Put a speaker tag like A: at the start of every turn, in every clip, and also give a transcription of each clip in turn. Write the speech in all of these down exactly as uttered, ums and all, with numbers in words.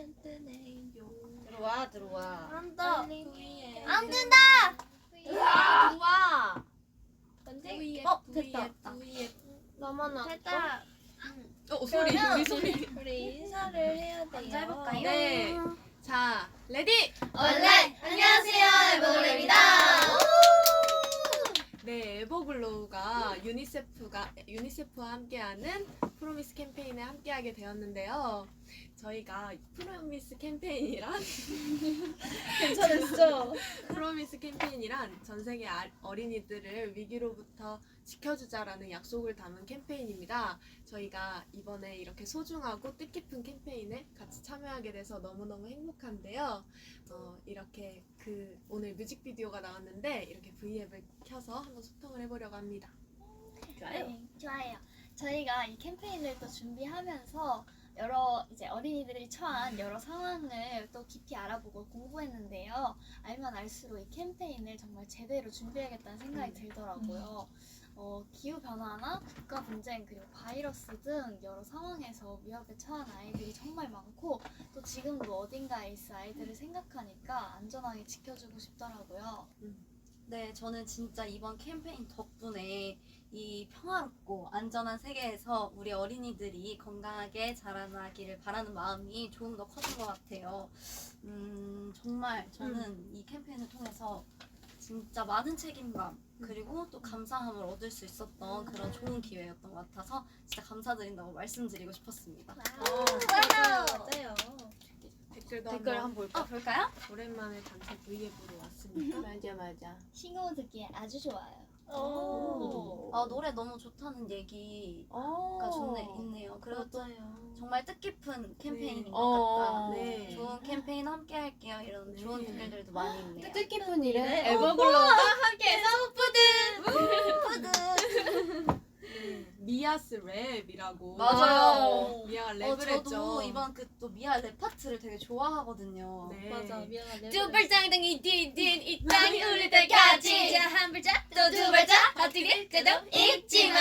A: 들어와 들어와.
B: 안 돼. 안
C: 안
B: 된다.
A: 들어와.
B: 어 됐다.
C: 너무나
B: 됐다.
D: 어 소리 우리 소리.
B: 우리 인사를 해야 돼요.
C: 먼저 해볼까요?
D: 네. 자 레디.
B: 원래 안녕하세요 에버그레입니다.
D: 네, 에버글로우가 유니세프가 유니세프와 함께하는 프로미스 캠페인에 함께하게 되었는데요. 저희가 프로미스 캠페인이란
B: 괜찮았어.
D: 프로미스 캠페인이란 전 세계 아- 어린이들을 위기로부터 지켜주자라는 약속을 담은 캠페인입니다. 저희가 이번에 이렇게 소중하고 뜻깊은 캠페인에 같이 참여하게 돼서 너무너무 행복한데요. 어, 이렇게 그 오늘 뮤직비디오가 나왔는데 이렇게 V앱을 켜서 한번 소통을 해보려고 합니다.
B: 네, 좋아요. 저희가 이 캠페인을 또 준비하면서 여러 이제 어린이들이 처한 여러 상황을 또 깊이 알아보고 공부했는데요. 알면 알수록 이 캠페인을 정말 제대로 준비해야겠다는 생각이 들더라고요. 어, 기후 변화나 국가 분쟁 그리고 바이러스 등 여러 상황에서 위협에 처한 아이들이 정말 많고 또 지금도 어딘가에 있을 아이들을 생각하니까 안전하게 지켜주고 싶더라고요.
C: 네, 저는 진짜 이번 캠페인 덕분에 이 평화롭고 안전한 세계에서 우리 어린이들이 건강하게 자라나기를 바라는 마음이 조금 더 커진 것 같아요. 음, 정말 저는 이 캠페인을 통해서 진짜 많은 책임감 그리고 또 감사함을 얻을 수 있었던 그런 좋은 기회였던 것 같아서 진짜 감사드린다고 말씀드리고 싶었습니다.
B: 맞아요. 맞아요.
D: 댓글도
A: 댓글
D: 한번
A: 한번 볼까?
C: 어, 볼까요?
D: 오랜만에 단체 V앱으로 왔습니다.
A: 맞아 맞아.
B: 신곡 듣기에 아주 좋아요.
A: 오.
C: 아, 노래 너무 좋다는 얘기가
A: 어.
C: 좋네, 있네요. 그리고 또
B: 맞아요.
C: 정말 뜻깊은 캠페인인
D: 네.
C: 것
A: 어.
C: 같다.
D: 네.
C: 좋은 캠페인 함께 할게요. 이런
D: 네.
C: 좋은 댓글들도 많이 있네요.
A: 뜻깊은 일에
B: 네.
A: 에버글로우가
B: 함께해서
C: 푸드!
D: 네, 미아스 랩이라고.
C: 맞아요.
D: 미아가
C: 어,
D: 랩을
C: 저도
D: 했죠.
C: 이번 그 또 미아 랩 파트를 되게 좋아하거든요.
D: 네.
B: 맞아 미안하네.
A: 두 발장등이 디딘 이 땅이 울릴 때까지 자 한 발짝 또 두 발짝 엎드릴 때도 잊지마.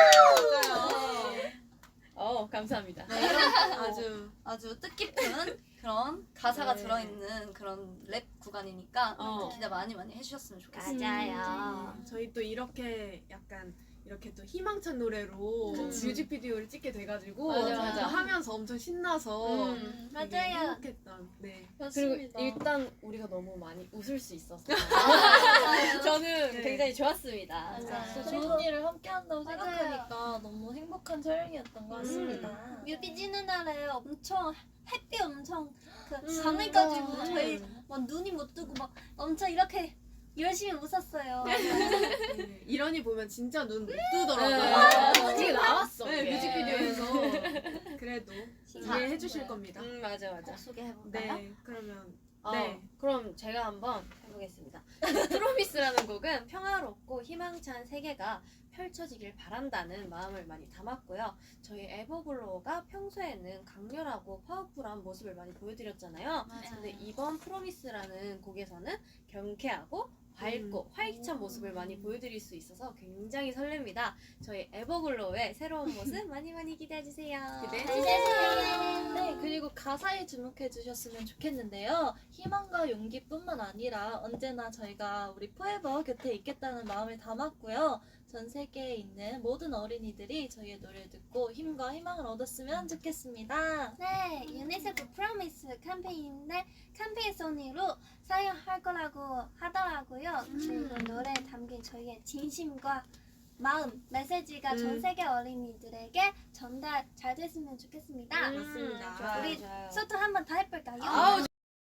D: 맞아요.
A: 어 감사합니다.
C: 네, 이런
D: 아주
C: 아주 뜻깊은 그런 가사가
D: 네.
C: 들어있는 그런 랩 구간이니까
D: 어.
C: 기대 많이 많이 해주셨으면 좋겠습니다.
A: 맞아요.
D: 저희 또 이렇게 약간 이렇게 또 희망찬 노래로
A: 그치.
D: 뮤직비디오를 찍게 돼가지고
A: 맞아, 맞아.
D: 하면서 엄청 신나서
A: 음,
D: 되게
B: 맞아요.
D: 행복했던. 네.
A: 그리고
B: 맞습니다.
A: 일단 우리가 너무 많이 웃을 수 있었어요.
B: 맞아요.
A: 저는
D: 네.
A: 굉장히 좋았습니다.
B: 맞아요.
A: 또
B: 좋은 일을 함께 한다고
C: 맞아요.
B: 생각하니까 너무 행복한 촬영이었던 것 같습니다.
C: 뮤비 찍는 날에 엄청 햇빛 엄청 그
A: 음.
C: 강해가지고
B: 음.
C: 저희 막 눈이 못 뜨고 막 엄청 이렇게 열심히 웃었어요.
D: 네. 이런이 보면 진짜 눈 못 뜨더라고요.
A: 네. 솔직히 나왔어.
D: 네,
A: 그게.
D: 뮤직비디오에서 그래도
C: 자,
D: 이해해 주실 겁니다.
A: 음 맞아 맞아.
C: 꼭 소개해볼까요?
D: 네, 그러면
A: 어,
D: 네.
A: 그럼 제가 한번 해보겠습니다. 프로미스라는 곡은 평화롭고 희망찬 세계가 펼쳐지길 바란다는 마음을 많이 담았고요. 저희 에버글로우가 평소에는 강렬하고 파워풀한 모습을 많이 보여드렸잖아요.
C: 맞아요.
A: 근데 이번 프로미스라는 곡에서는 경쾌하고 밝고
D: 음.
A: 활기찬 모습을 많이 보여드릴 수 있어서 굉장히 설렙니다. 저희 에버글로우의 새로운 모습 많이 많이 기대해주세요.
D: 기대해주세요.
B: 네, 그리고 가사에 주목해 주셨으면 좋겠는데요. 희망과 용기뿐만 아니라 언제나 저희가 우리 포에버 곁에 있겠다는 마음을 담았고요. 전 세계에 있는 모든 어린이들이 저희의 노래를 듣고 힘과 희망을 얻었으면 좋겠습니다.
E: 네, 유니세프 프로미스 캠페인인데 캠페인 소니로 사용할 거라고 하더라고요. 그리고 노래에 담긴 저희의 진심과 마음, 메시지가 전
D: 음.
E: 세계 어린이들에게 전달 잘 됐으면 좋겠습니다.
A: 음,
D: 맞습니다.
A: 좋아요,
E: 우리
A: 좋아요.
E: 소통 한번 더 해볼까요?
A: 아우,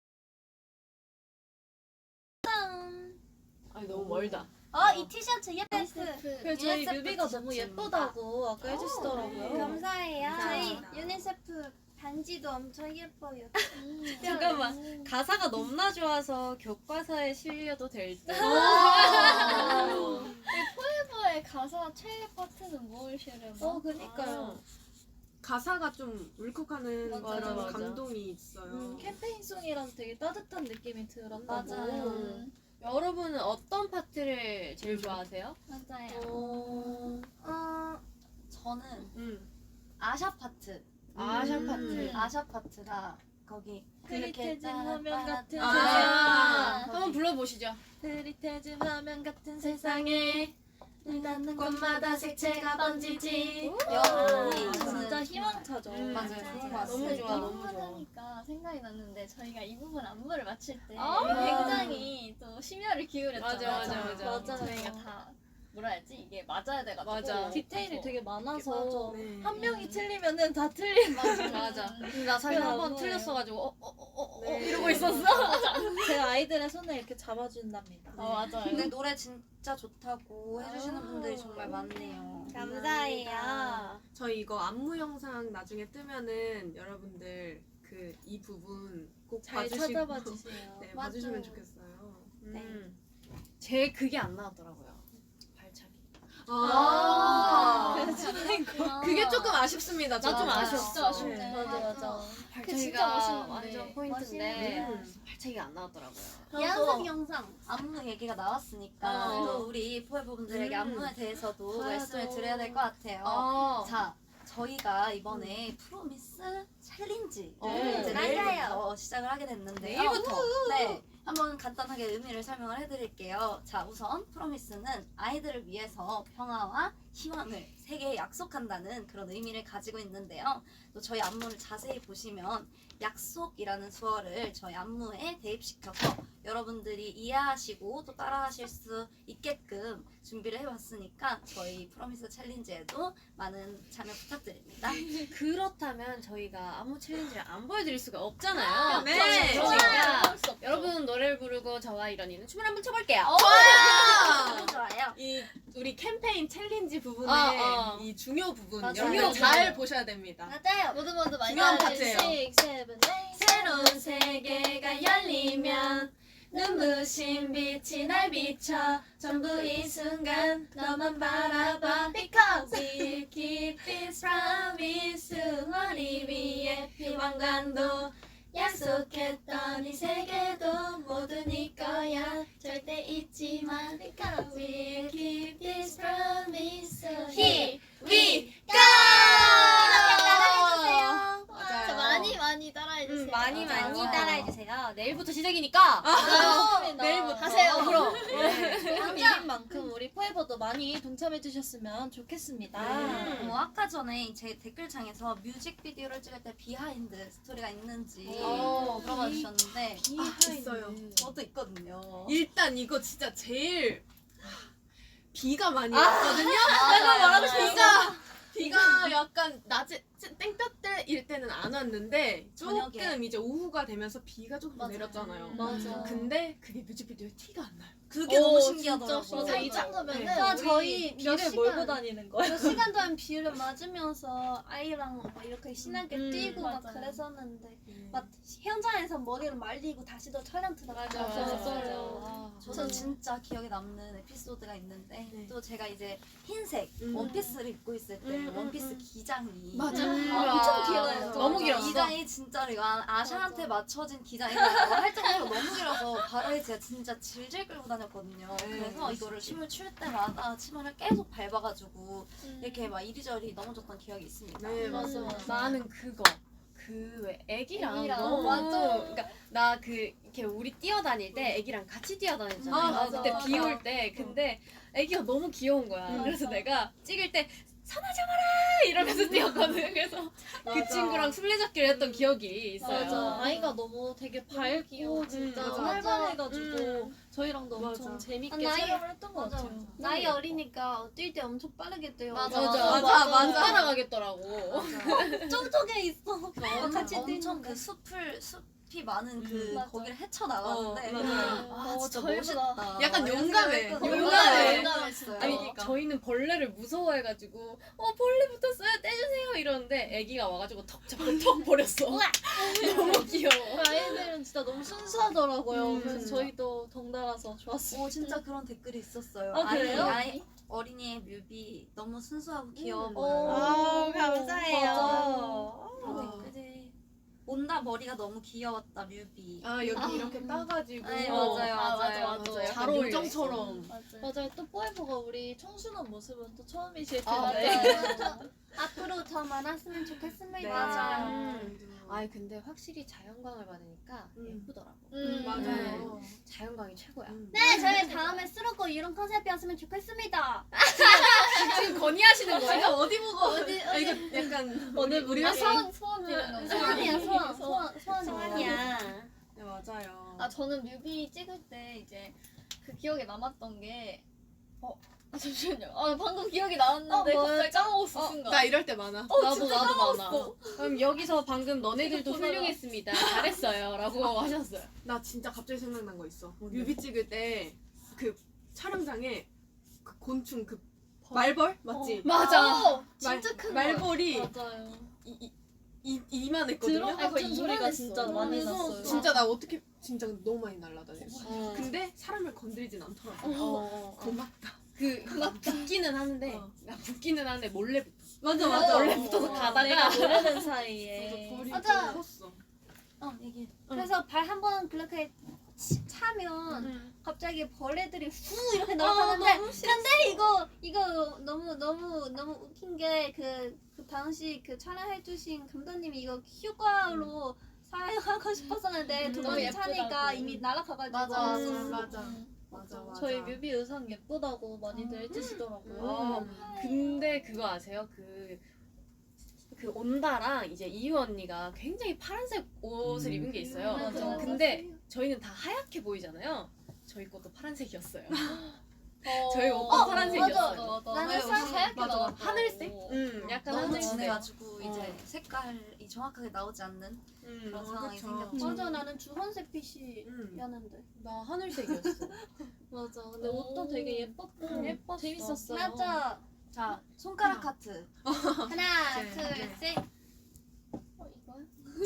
A: 아니 너무 멀다.
E: 어, 이 티셔츠 예뻐요.
B: 그리고 저희
C: 유니세프
B: 뮤비가 너무
C: 티셔츠입니다.
B: 예쁘다고 아까 해주시더라고요.
E: 감사해요.
D: 감사합니다.
E: 저희 유니세프 반지도 엄청 예뻐요.
A: 잠깐만. 가사가 너무나 좋아서 교과서에 실려도 될 듯.
B: 포에버의 가사 최애 파트는 무엇이래요? 어, 그니까요.
D: 가사가 좀 울컥하는
B: 맞아,
D: 그런
A: 맞아.
D: 감동이 있어요.
B: 음, 캠페인송이라서 되게 따뜻한 느낌이 들었다고.
C: 맞아요.
A: 음. 여러분은 어떤 파트를 제일 좋아하세요?
E: 맞아요.
B: 어...
E: 어,
C: 저는
D: 음.
C: 아샤 파트.
A: 아샤
D: 음.
A: 파트.
C: 아샤 파트가 거기
B: 흐릿해진 화면 같은
D: 아.
B: 세상.
A: 한번 불러보시죠.
B: 흐릿해진 화면 같은 세상에 눈 닿는
E: 곳마다 색채가 번지지.
C: 아,
B: 진짜 희망차죠.
D: 음,
C: 맞아요. 좋은 것 같습니다.
A: 너무 좋아, 너무 좋아.
B: 하니까 생각이 났는데 저희가 이 부분 안무를 맞출 때
A: 아.
B: 굉장히 또 심혈을 기울였잖아요.
A: 맞아, 맞아, 맞아.
B: 저희가 다 뭐라 해야지 이게 맞아야 돼가지고
A: 맞아.
B: 디테일이 되게 많아서
D: 네.
B: 한 명이 틀리면은 다 틀린
A: 맞아. 근데 나 사실 한 번
B: 너무해.
A: 틀렸어가지고 어 어 어 어
D: 네.
A: 이러고 있었어.
F: 제 아이들의 손을 이렇게 잡아준답니다.
B: 아 맞아요.
C: 근데 노래 진짜 좋다고 해주시는 분들이 정말 많네요.
E: 감사해요.
D: 저희 이거 안무 영상 나중에 뜨면은 여러분들 그 이 부분 꼭
F: 잘
D: 봐주시고
F: 찾아봐 주세요.
D: 네,
E: 맞아요.
D: 봐주시면 좋겠어요.
A: 음. 제 그게 안 나왔더라고요. 발차기.
D: 아,
B: 아.
D: 그게 조금 아쉽습니다.
A: 나 좀
D: 저도.
A: 아쉬웠어.
B: 진짜 아쉽네.
D: 네.
F: 맞아 맞아.
B: 그게 진짜
A: 발차기가
B: 멋있는데.
A: 완전 포인트인데
D: 음.
A: 발차기가 안 나왔더라고요.
E: 연습 영상.
C: 안무 얘기가 나왔으니까
A: 어.
C: 또 우리 포에버 분들에게
D: 음.
C: 안무에 대해서도
F: 봐야죠.
C: 말씀을 드려야 될 것 같아요.
A: 어.
C: 자, 저희가 이번에 프로미스 챌린지를
A: 어.
C: 이제
E: 맞아요.
C: 내일부터 시작을 하게 됐는데요.
A: 내일부터?
C: 네, 한번 간단하게 의미를 설명을 해드릴게요. 자, 우선 프로미스는 아이들을 위해서 평화와 희망을 세계에 약속한다는 그런 의미를 가지고 있는데요. 또 저희 안무를 자세히 보시면 약속이라는 수어를 저희 안무에 대입시켜서 여러분들이 이해하시고 또 따라하실 수 있게끔 준비를 해봤으니까 저희 프로미스 챌린지에도 많은 참여 부탁드립니다.
A: 그렇다면 저희가 안무 챌린지를 안 보여드릴 수가 없잖아요.
D: 네.
A: 그러니까 여러분 노래를 부르고 저와 이런이는 춤을 한번 춰볼게요.
C: 너무 좋아요.
D: 이 우리 캠페인 챌린지 부분의
A: 어, 어.
D: 이 중요 부분
C: 맞아요.
D: 여러분 잘 보셔야 됩니다.
E: 맞아요.
B: 모두 모두 많이
D: 중요한
B: 따라해주세요.
D: 파트예요.
F: Six, seven, eight.
E: 새로운 세계가 열리면 눈부신 빛이 날 비춰 전부 이 순간 너만 바라봐 Because we keep this promise 머리 위에 피왕관도 약속했던 이 세계도 모두 네 거야 절대 잊지 마 Because we keep this promise Here we go 이렇게 따라해주세요
B: 진짜 많이 많이 따라해주세요.
A: 음, 많이 많이
C: 맞아요.
A: 따라해주세요. 내일부터 시작이니까.
B: 내일부터
A: 하세요. 그럼.
F: 그럼 이긴 만큼 우리 포에버도 많이 동참해 주셨으면 좋겠습니다.
A: 음.
C: 어, 아까 전에 제 댓글창에서 뮤직비디오를 찍을 때 비하인드 스토리가 있는지
A: 어,
C: 물어봐 주셨는데
D: 아, 있어요.
C: 저도 있거든요.
D: 일단 이거 진짜 제일 비가 많이 왔거든요.
C: 내가 말하고
D: 비가 비가 약간 낮에 땡볕때일 때는 안 왔는데 조금
C: 저녁에.
D: 이제 오후가 되면서 비가 조금
C: 맞아요.
D: 내렸잖아요.
F: 맞아.
D: 근데 그게 뮤직비디오에 티가 안 나요.
C: 그게
F: 오,
C: 너무
F: 진짜
C: 신기하더라고요.
F: 맞아. 이
B: 이 정도면은
D: 네.
E: 아,
B: 우리
E: 저희 몇
F: 비를
E: 시간
F: 몰고 다니는 거야.
E: 몇 시간 동안 비를 맞으면서 아이랑 막 이렇게 신나게
A: 음,
E: 뛰고 막
B: 맞아요.
E: 그랬었는데 막 현장에서 머리를 말리고 다시 또 촬영 들어가죠.
A: 맞아,
F: 맞아,
A: 맞아.
F: 맞아요.
C: 저는 진짜 기억에 남는 에피소드가 있는데
D: 네.
C: 또 제가 이제 흰색
D: 음.
C: 원피스를 입고 있을 때
A: 음, 음,
C: 원피스
A: 음.
C: 기장이
D: 맞아.
A: 음.
E: 아, 엄청 길어요.
C: 맞아.
A: 너무 길었어.
C: 기장이 진짜로 이거 아샤한테 맞춰진 기장이라고 할 정도로 너무 길어서 바로에 제가 진짜 질질 끌고 다녔거든요.
D: 네,
C: 그래서 이거를 춤을 출 때마다 치마를 계속 밟아가지고 이렇게 막 이리저리 넘어졌던 기억이 있습니다.
D: 네,
F: 맞아,
D: 맞아.
F: 맞아.
A: 나는 그거 그 왜 애기랑
B: 애기랑.
A: 너무
B: 맞아.
A: 그러니까 나 그 이렇게 우리 뛰어다닐 때 애기랑 같이 뛰어다녔잖아요.
D: 아, 맞아,
A: 그때
B: 맞아.
A: 비 올 때 근데 애기가 너무 귀여운 거야.
D: 음.
A: 그래서 내가 찍을 때 선아 잡아라 이러면서 뛰었거든. 그래서 그 친구랑 술래잡기를 했던 기억이 있어요.
F: 맞아. 아이가 너무 되게 밝고 진짜
A: 맞아.
F: 활발해가지고
A: 음.
F: 저희랑도 엄청
D: 맞아.
F: 재밌게
E: 아, 나이-
F: 촬영을 했던 것
C: 맞아,
F: 같아요.
C: 맞아.
E: 나이 어리니까 뛸 때 엄청 빠르게 뛰어.
C: 맞아,
A: 맞아,
C: 맞아,
A: 맞아,
C: 맞아.
A: 못 따라가겠더라고.
E: 저쪽에 있어.
C: 엄청,
E: 같이
C: 엄청
E: 뛰는데.
C: 그 숲을 숲이 많은 그
E: 음, 맞아.
C: 거기를 헤쳐나가는데
A: 어,
D: 맞아요.
C: 아
F: 어,
C: 진짜
F: 저희보다
C: 멋있다.
D: 약간
C: 이런
D: 용감해.
C: 생각을 했거든요.
A: 용감해.
C: 용감했어요.
A: 아니
D: 그러니까.
A: 저희는 벌레를 무서워해가지고 어 벌레 붙었어요 떼주세요 이러는데 애기가 와가지고 턱 잡고 턱 버렸어. 너무 귀여워.
F: 그 아이들은 진짜 너무 순수하더라고요.
A: 음.
F: 그래서 저희도 덩달아서 좋았어요.
C: 오 진짜 그런 댓글이 있었어요.
F: 아, 그래요?
C: 아이, 아이, 어린이의 뮤비 너무 순수하고 귀여워
A: 음.
C: 보여요.
E: 아, 감사해요.
F: 맞아.
C: 그런 댓글이 온다 머리가 너무 귀여웠다 뮤비.
D: 아 여기 이렇게 따가지고
C: 네,
D: 어,
C: 맞아요,
B: 아,
C: 맞아요.
B: 맞아, 맞아.
D: 약간
A: 잘 어울려
D: 요정처럼.
B: 맞아요.
F: 맞아요. 또 포에버가 우리 청순한 모습은 또 처음이실
A: 아,
F: 텐데.
E: 앞으로 더 많았으면 좋겠습니다.
D: 네.
C: 맞아요.
D: 음.
A: 아이 근데 확실히 자연광을 받으니까
D: 음.
A: 예쁘더라고.
B: 음,
D: 맞아요.
A: 자연광이 최고야.
D: 음.
E: 네, 저희 다음에 쓰러고 이런 컨셉이었으면 좋겠습니다.
A: 지금 건의하시는 거예요?
D: 제가 어디 보고
E: 어디,
D: 아, 이거 약간
F: 오늘 우리
B: 아, 소원 소원 비는 거.
E: 소원이야, 소원, 소원, 소원,
A: 소원이야.
D: 네, 맞아요.
B: 아 저는 뮤비 찍을 때 이제 그 기억에 남았던 게 어. 아 잠시만요. 아 방금 기억이 나왔는데
F: 어, 뭐였죠?
B: 갑자기 까먹었어 순간.
D: 나 이럴 때 많아.
A: 나도 나도 많아. 그럼 여기서 방금 너네들도 훌륭했습니다. 잘했어요라고 하셨어요.
D: 나 진짜 갑자기 생각난 거 있어. 뮤비 찍을 때 그 촬영장에 그 곤충 그 말벌 맞지?
A: 맞아.
B: 어, 진짜 큰 거.
D: 말벌이
F: 맞아요.
D: 이, 이, 이, 이만했거든요.
F: 드럼 같은
B: 거의
F: 소리가
B: 이만했어.
F: 진짜
B: 너무
F: 많이
B: 무서웠어.
F: 났어요.
D: 진짜 나 어떻게 진짜 너무 많이 날아다녔어.
A: 어.
D: 근데 사람을 건드리진 않더라고.
A: 어, 어, 어.
D: 고맙다.
A: 그 붙기는 하는데
D: 어.
A: 나 붙기는 하는데 몰래 붙어.
D: 맞아
B: 맞아.
A: 원래 붙어서 가다가
F: 내가 모르는 사이에.
D: 벌이
E: 맞아.
D: 좀 컸어.
C: 어 얘기.
E: 그래서 발 한 번 그렇게 치- 차면
D: 응.
E: 갑자기 벌레들이 후 이렇게 날아가는데 근데 이거 이거 너무 너무 너무 웃긴 게 그 그 당시 그 촬영해주신 감독님이 이거 휴가로 사용하고 싶었었는데
D: 음.
E: 두
B: 너무
E: 번
B: 예쁘다고.
E: 차니까 이미 날아가가지고
C: 맞아,
D: 음,
C: 맞아.
D: 맞아.
B: 음.
D: 맞아 맞아.
F: 저희 뮤비 의상 예쁘다고 많이들 해주시더라고요.
A: 어, 근데 그거 아세요? 그, 그 온다랑 이제 이유 언니가 굉장히 파란색 옷을
G: 음.
A: 입은 게 있어요.
F: 맞아.
A: 근데 저희는 다 하얗게 보이잖아요. 저희 것도 파란색이었어요.
B: 어,
A: 저희 오빠
B: 어,
A: 파란색이었어요.
B: 맞아, 맞아.
E: 나는
B: 왜
E: 살-
B: 옷이 하얗게
D: 맞아.
B: 나왔다고.
A: 하늘색? 음, 약간
C: 너무
A: 하늘색.
C: 진해가지고 이제
A: 어.
C: 색깔이 정확하게 나오지 않는
D: 음,
C: 그런
D: 어,
C: 상황이
D: 그쵸.
C: 생겼죠.
E: 맞아 나는 주황색 핏이었는데
D: 음.
A: 나 하늘색이었어.
F: 맞아. 근데 옷도 되게 예뻤고
A: 음, 예뻤어.
F: 재밌었어요.
E: 맞아
C: 자 손가락 하트.
E: 하나
D: 네,
E: 둘
D: 네.
E: 셋
B: 어, 이거요?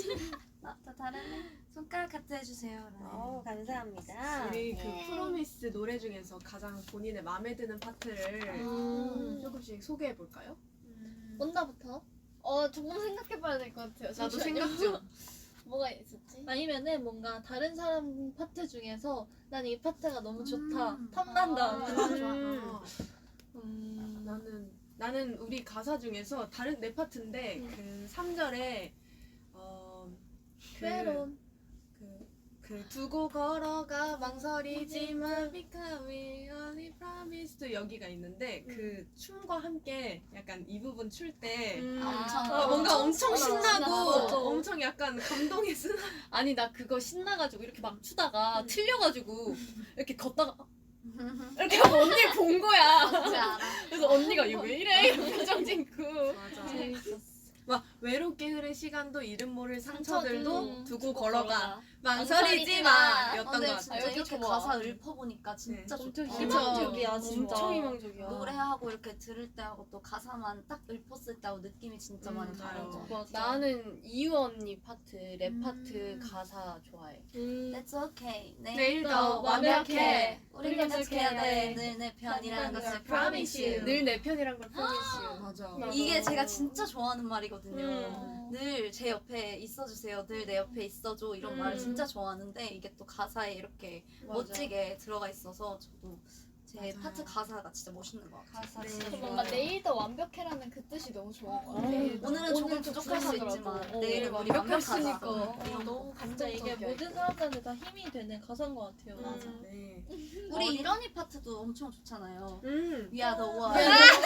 E: 아, 또 다르네
C: 손가락 하트 해주세요.
A: 어, 감사합니다.
D: 우리 그
E: 네.
D: 프로미스 노래 중에서 가장 본인의 마음에 드는 파트를
A: 음.
D: 조금씩 소개해 볼까요?
B: 온다부터? 어 조금 생각해봐야 될 것 같아요.
D: 나도
B: 잠시만요.
D: 생각 중.
B: 뭐가 있었지?
F: 아니면은 뭔가 다른 사람 파트 중에서 난 이 파트가 너무 좋다.
C: 음.
F: 탐난다.
B: 아.
D: 음.
F: 음.
D: 나는 나는 우리 가사 중에서 다른 내 파트인데
B: 음.
D: 그 삼 절에 어 그,
B: 외로운.
D: 그, 그 두고 걸어가 망설이지만 because we only promise to 여기가 있는데 그 춤과 함께 약간 이 부분 출 때
C: 엄청
D: 어, 뭔가 엄청
B: 맞아,
D: 신나고
B: 맞아.
D: 엄청 약간 감동의 순
A: 아니 나 그거 신나가지고 이렇게 막 추다가 틀려가지고 이렇게 걷다가 이렇게 하고 언니를 본 거야.
C: 뭔지 알아.
A: 그래서 언니가 이거 왜 이래? 이런 표정 짓고.
D: 맞아.
F: 재밌었어.
D: 막 외롭게 흐른 시간도 이름 모를 상처들도
B: 상처도
D: 두고
B: 두고
D: 걸어가
B: 걸어가.
D: 망설이지 마 였던
C: 근데
D: 것
C: 진짜
D: 같아요.
B: 여기
C: 이렇게
B: 좋아.
C: 가사 읊어보니까 진짜
A: 엄청
C: 좋다.
F: 희망적이야, 진짜.
A: 엄청 희망적이야.
C: 노래하고 이렇게 들을 때하고 또 가사만 딱 읊었을 때하고 느낌이 진짜
D: 음,
C: 많이
D: 맞아요.
C: 다르죠.
F: 맞아.
A: 나는 이유 언니 파트, 랩
C: 음.
A: 파트 가사 좋아해.
F: 음.
C: That's okay. 내일
D: 내일
F: 더
D: 더 완벽해.
F: 완벽해.
C: 우리 계속해야 돼. 늘 내 편이라는 것을 promise you.
A: 늘 내 편이란 걸 promise.
D: 맞아.
F: 맞아.
C: 이게 제가 진짜 좋아하는 말이거든요.
A: 음.
C: 늘 제 옆에 있어주세요. 늘 내 옆에 있어줘. 이런
A: 음.
C: 말을 진짜 좋아하는데 이게 또 가사에 이렇게 멋지게 들어가 있어서 저도 제
D: 맞아요.
C: 파트 가사가 진짜 멋있는 것 같아요.
A: 가사
D: 네.
A: 진짜
B: 저
A: 좋아.
B: 뭔가 내일 더 완벽해라는 그 뜻이 너무 좋은 것 같아요.
A: 음.
C: 오늘은 조금
B: 오늘
C: 부족할 수
B: 부족하더라고.
C: 있지만
A: 어,
C: 내일은 우리
A: 완벽했으니까.
C: 완벽하다.
F: 어, 너무 진짜 이게
A: 감동적이야,
F: 모든
A: 이거.
F: 사람들한테 다 힘이 되는 가사인 것 같아요.
A: 맞아.
D: 네.
C: 우리 이런이 파트도 엄청 좋잖아요.
D: 음.
C: We are the world.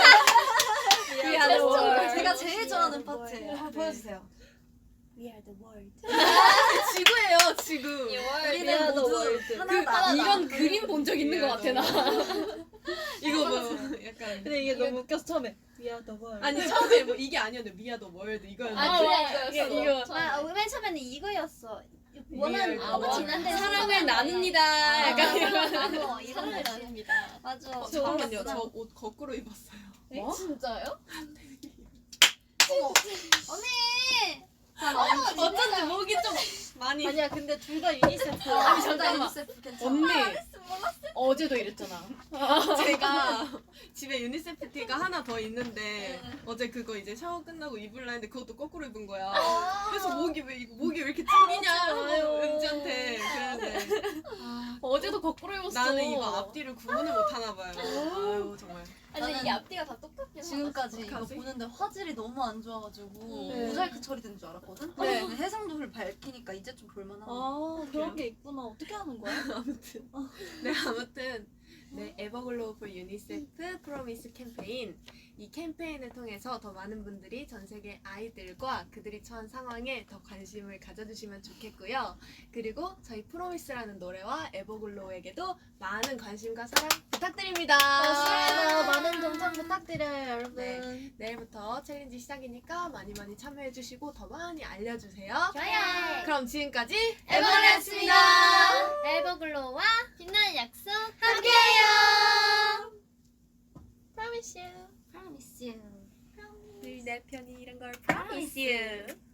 A: We are the world.
C: 제가 제일 좋아하는 파트예요. 한번 보여주세요.
A: We are the world.
D: 지구예요, 지구.
C: 우리는
F: are the
C: 모두
F: world.
C: 하나다.
A: 이런 그림 본 적 있는 것 같아 나.
D: 이거 뭐 약간
F: 근데 이게 너무 웃겨서 처음에 We are the world.
D: 아니 처음에 뭐 이게 아니었는데 미아 더 월드 이거였는데
B: 아, 그냥
A: 이거,
B: 이거였어.
A: 이거.
E: 아, 맨 처음에는 이거였어. 원하는
D: 리얼.
E: 너무
D: 아,
E: 지난데
A: 사랑을 나눕니다. 약간 이런.
E: 나눠 이런
B: 사랑을
E: 거지.
B: 나눕니다.
E: 맞아.
D: 어, 잠깐만요. 저 옷 거꾸로 입었어요.
A: 뭐?
B: 진짜요?
E: 언니.
A: 어쩐지 목이 좀 많이.
F: 아니야 근데 둘 다 유니세프.
C: 아니
A: 잠깐만.
C: 잠깐만. 괜찮아.
A: 언니.
F: 어제도 이랬잖아.
D: 제가 집에 유니세프 티가 하나 더 있는데 어제 그거 이제 샤워 끝나고 입으려 했는데 그것도 거꾸로 입은 거야. 그래서 목이 왜 이거 목이 왜 이렇게 튕기냐 하고 은지한테 그랬는데
F: 어제도 거꾸로 입었어.
D: 나는 이거 앞뒤를 구분을 못 하나 봐요. 아유 정말.
B: 아니 근데
C: 나는
B: 이게 앞뒤가 다 똑같긴
C: 지금까지 이거
D: 어떡하지?
C: 보는데 화질이 너무 안 좋아가지고
F: 네.
C: 모자이크 처리된 줄 알았거든?
F: 네.
C: 근데 해상도를 밝히니까 이제 좀 볼만하네.
F: 아 그런 게 있구나. 어떻게 하는 거야?
D: 아무튼 네 아무튼 네 에버글로우 for 유니세프 프로미스 캠페인 이 캠페인을 통해서 더 많은 분들이 전 세계 아이들과 그들이 처한 상황에 더 관심을 가져주시면 좋겠고요. 그리고 저희 프로미스라는 노래와 에버글로우에게도 많은 관심과 사랑 부탁드립니다.
F: 맞습니다. 많은 동참 부탁드려요, 여러분.
D: 네. 내일부터 챌린지 시작이니까 많이 많이 참여해주시고 더 많이 알려주세요.
B: 좋아요.
D: 그럼 지금까지
B: 에버글로우였습니다.
E: 에버글로우와
B: 빛나는 약속
E: 함께해요.
B: Promise you.
C: Promise you.
D: 늘 내 편이 이런 걸 promise you.